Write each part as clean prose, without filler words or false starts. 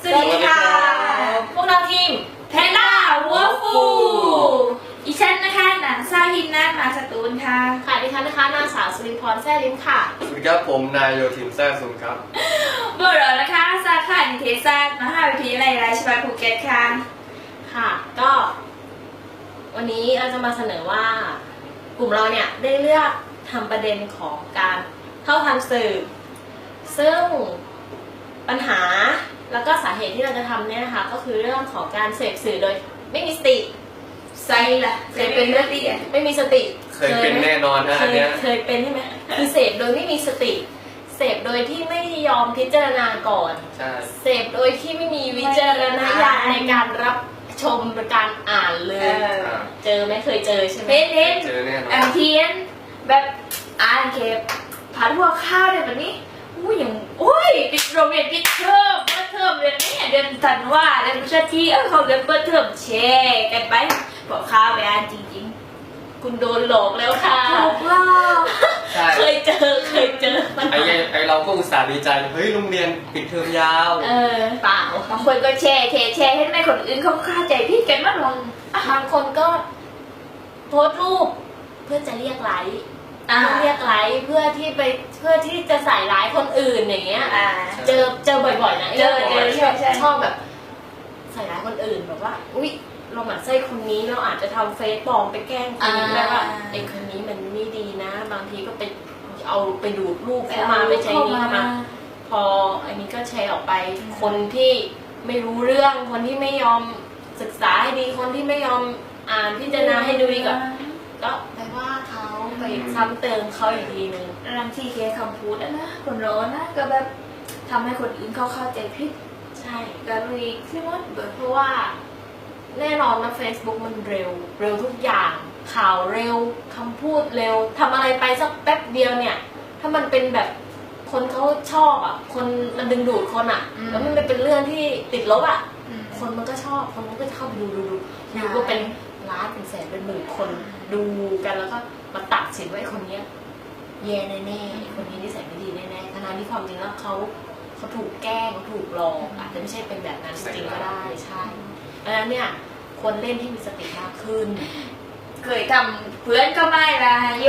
สวัสดีค่ะพวกเราทีมแพนด้าวัวฟูอีฉันนะคะนางซาฮินนามาสตูลค่ะค่ะดิฉันนะคะนางสาวสุริพรแซ่ลิ้มค่ะสวัสดีครับผมนายโยธินแซ่ซุนครับพวกเรานะคะสาขานิเทศศาสตร์มหาวิทยาลัยราชภัฏภูเก็ตค่ะค่ะก็วันนี้เราจะมาเสนอว่ากลุ่มเราเนี่ยได้เลือกทำประเด็นของการเท่าทันสื่อซึ่งปัญหาแล้วก็สาเหตุที่เราจะทำเนี่ยนะคะก็คือเรื่องของการเสพสื่อโดยไม่มีสติไซล่ะเคยเป็นเรื่องดีไม่มีสติเคยเป็นแน่นอนนะอันเนี้ยเคยเป็นใช่ไหมคือเสพโดยไม่มีสติเสพโดยที่ไม่ยอมพิจารณาก่อนเสพโดยที่ไม่มีวิจารณญาณในการรับชมในการอ่านเลยเจอไม่เคยเจอใช่ไหมเจอแน่นอนอันเทียนแบบอ่านเก็บผัดหัวข้าวเลยแบบนี้อย่างปิดโรงเรียนปิดเทอมเปิดเทอมเดือนนี้เดือนธันวาเดือนพฤศจิกายนเขาเรียนเปิดเทอมแชร์กันไปบอกข้าวไปอ่านจริงๆคุณโดนหลอกแล้วค่ะถูกหลอกเคยเจอไอเราก็อุตส่าห์ดีใจเฮ้ยโรงเรียนปิดเทอมยาวเปล่าบางคนก็แชร์ให้แม่คนอื่นเขาเข้าใจผิดกันมากลงบางคนก็โพสต์รูปเพื่อจะเรียกไลค์เรียกไลค์เพื่อที่จะใส่ร้ายคนอื่นอย่างเงี้ยเจอบ่อยๆนะเจอชอบแบบใส่ร้ายคนอื่นแบบว่าอุ๊ยเราหมั่นไส้คนนี้เราอาจจะทำเฟซปลอมไปแกล้งคนนี้แล้วว่าไอ้คนนี้มันไม่ดีนะบางทีก็ไปเอาไปดูดรูปเข้ามาไปใช้นี้เข้ามาพออันนี้ก็แชร์ออกไปคนที่ไม่รู้เรื่องคนที่ไม่ยอมศึกษาให้ดีคนที่ไม่ยอมอ่านพิจารณาให้ดูดีก็ไปว่าเขาไปซ้ำเติมเขาอีกทีนึงบางทีแค่คำพูดนะคนร้อนนะก็แบบทำให้คนอื่นเขาเข้าใจผิดใช่ก็เลยคิดว่าเพราะว่าแน่นอนนะ Facebook มันเร็วทุกอย่างข่าวเร็วคำพูดเร็วทำอะไรไปสักแป๊บเดียวเนี่ยถ้ามันเป็นแบบคนเขาชอบอ่ะคนมันดึงดูดคนอ่ะแล้วมันเป็นเรื่องที่ติดลบอ่ะคนมันก็ชอบคนมันก็เข้าไปดูก็เป็นล้านเป็นแสนเป็นหมื่นคนดูกันแล้วก็มาตัดสินว่าไอ้คนนี้แย่แน่ๆคนนี้นิสัยไม่ดีแน่ๆทั้งที่ความจริงแล้วเขาถูกแกล้งเขาถูกหลอกอาจจะไม่ใช่เป็นแบบนั้นจริงๆก็ได้ใช่เพราะฉะนั้นเนี่ยควรเล่นที่มีสติมากขึ้นเคยทำเพื่อนก็ไม่ละโย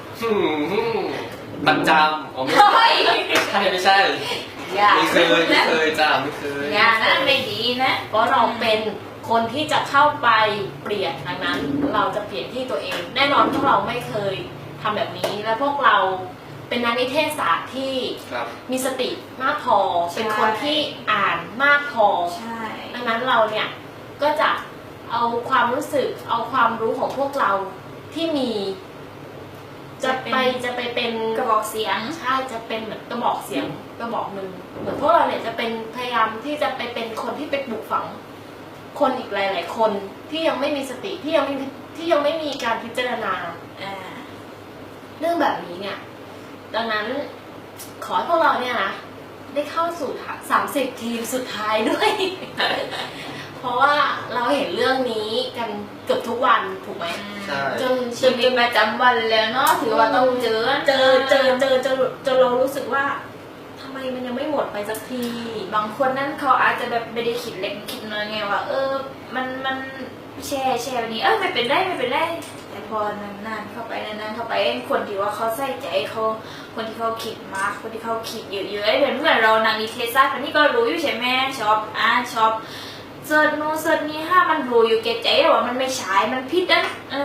ประจำไม่ใช่ไม่เคยจ้าไม่เคยอย่านั้นไม่ดีนะเพราะเราเป็นคนที่จะเข้าไปเปลี่ยนดังนั้นเราจะเปลี่ยนที่ตัวเองแน่นอนพวกเราไม่เคยทำแบบนี้และพวกเราเป็นนักนิเทศศาสตร์ที่มีสติมากพอเป็นคนที่อ่านมากพอดังนั้นเราเนี่ยก็จะเอาความรู้สึกเอาความรู้ของพวกเราที่มีจะไปเป็นกระบอกเสียงใช่จะเป็นเหมือนกระบอกเสียงกระบอกหนึ่งเหมือนพวกเราเนี่ยจะเป็นพยายามที่จะไปเป็นคนที่ไปปลูกฝังคนอีกหลายๆคนที่ยังไม่มีสติที่ยังไม่มีการพิจารณาเรื่องแบบนี้เนี่ยดังนั้นขอให้พวกเราเนี่ยนะได้เข้าสู่30 ทีมสุดท้ายด้วย เพราะว่าเราเห็นเรื่องนี้กันเกือบทุกวันถูกไหมจนชีวิตประจำวันแล้วเนาะถือว่าต้องเจอเรารู้สึกว่าทำไมมันยังไม่หมดไปสักทีบางคนนั้นเขาอาจจะแบบไม่ได้คิดเล็กคิดน้อยไงว่ามันแชร์แบบนี้ไม่เป็นไรแต่พอนานๆเข้าไปคนที่ว่าเขาใส่ใจเขาคนที่เขาคิดมากคนที่เขาคิดเยอะๆเหมือนเรานางนิเทศศาสตร์คนนี้ก็รู้อยู่ใช่ไหมชอบอ่านชอบเสิร์ชโน้ตเสิร์ชนี้ถ้ามันรู้อยู่แก่ใจว่ามันไม่ใช่มันผิดนะ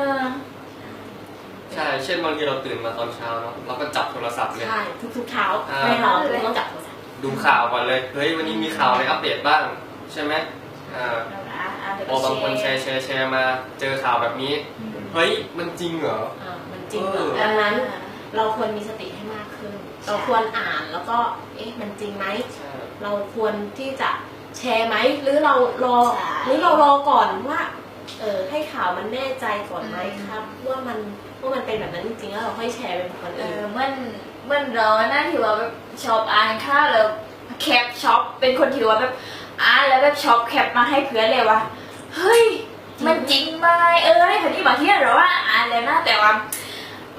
ใช่เช่นบางทีเราตื่นมาตอนเช้าเนาะเราก็จับโทรศัพท์เลยใช่ทุกเช้าไม่นอนเราต้องจับโทรศัพท์ดูข่าวก่อนเลยเฮ้ยวันนี้มีข่าวอะไรอัปเดตบ้างใช่ไหมพอบางคนแชร์มาเจอข่าวแบบนี้เฮ้ยมันจริงเหรอมันจริงเหรอดังนั้นเราควรมีสติให้มากขึ้นเราควรอ่านแล้วก็มันจริงไหมเราควรที่จะแชร์ไหมหรือเรารอก่อนว่าให้ข่าวมันแน่ใจก่อนไหมครับว่ามันเป็นแบบนั้นจริงๆแล้วเราค่อยแชร์เป็นคนอื่นเมื่อเราหน้าที่ว่าแบบชอบอ่านข่าวแล้วแคปช็อปเป็นคนที่ว่าแบบอ่านแล้วแบบช็อปแคปมาให้เพื่อนเลยว่าเฮ้ยมันจริงไหมให้คนที่บางที่เราว่าอ่านแล้วนะแต่ว่า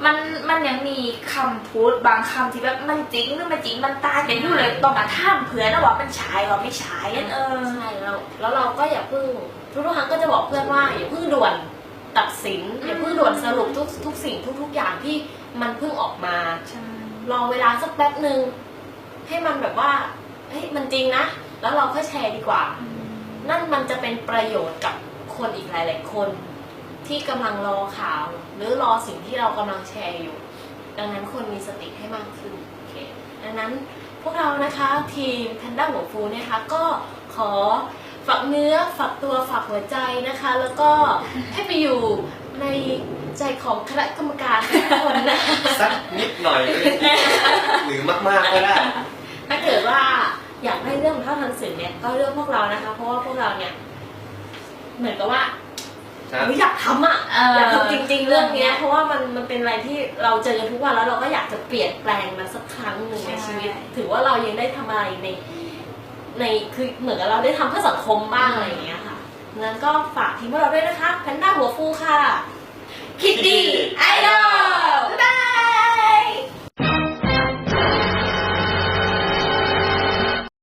มันยังมีคำพูดบางคำที่แบบมันจริงหรือไม่จริงมันตายกันอยู่เลยต้องมาท่ามเผื่อนะว่ามันฉายว่าไม่ฉายนั่นใช่แล้วเราก็อย่าเพิ่งทุกครั้งก็จะบอกเพื่อนว่าอย่าเพิ่งด่วนตัดสินอย่าเพิ่งด่วนสรุปทุกสิ่งทุกอย่างที่มันเพิ่งออกมาลองเวลาสักแป๊บหนึ่งให้มันแบบว่าเฮ้ยมันจริงนะแล้วเราค่อยแชร์ดีกว่านั่นมันจะเป็นประโยชน์กับคนอีกหลายๆคนที่กำลังรอข่าวหรือรอสิ่งที่เรากำลังแชร์อยู่ดังนั้นควรมีสติให้มากขึ้นโอเคดังนั้นพวกเรานะคะทีมแพนด้าหัวฟูนะคะก็ขอฝากเนื้อฝากตัวฝากหัวใจนะคะแล้วก็ให้ไปอยู่ในใจของคณะกรรมการทุกคนนะสักนิดหน่อยหรือมากๆก็ได้ถ้าเกิดว่าอยากได้เรื่องเท่าทันสื่อเนี่ยก็เรื่องพวกเรานะคะเพราะว่าพวกเราเนี่ยเหมือนกับว่าอยากทำอยากทำจริงๆเรื่องนี้เพราะว่ามันเป็นอะไรที่เราเจอกันทุกวันแล้วเราก็อยากจะเปลี่ยนแปลงมันสักครั้งหนึ่งในชีวิตถือว่าเรายังได้ทำอะไรในคือเหมือนกับเราได้ทำเพื่อสังคมบ้างอะไรอย่างเงี้ยค่ะงั้นก็ฝากทีมพวกเราด้วยนะคะแพนด้าหัวฟูค่ะคิดดี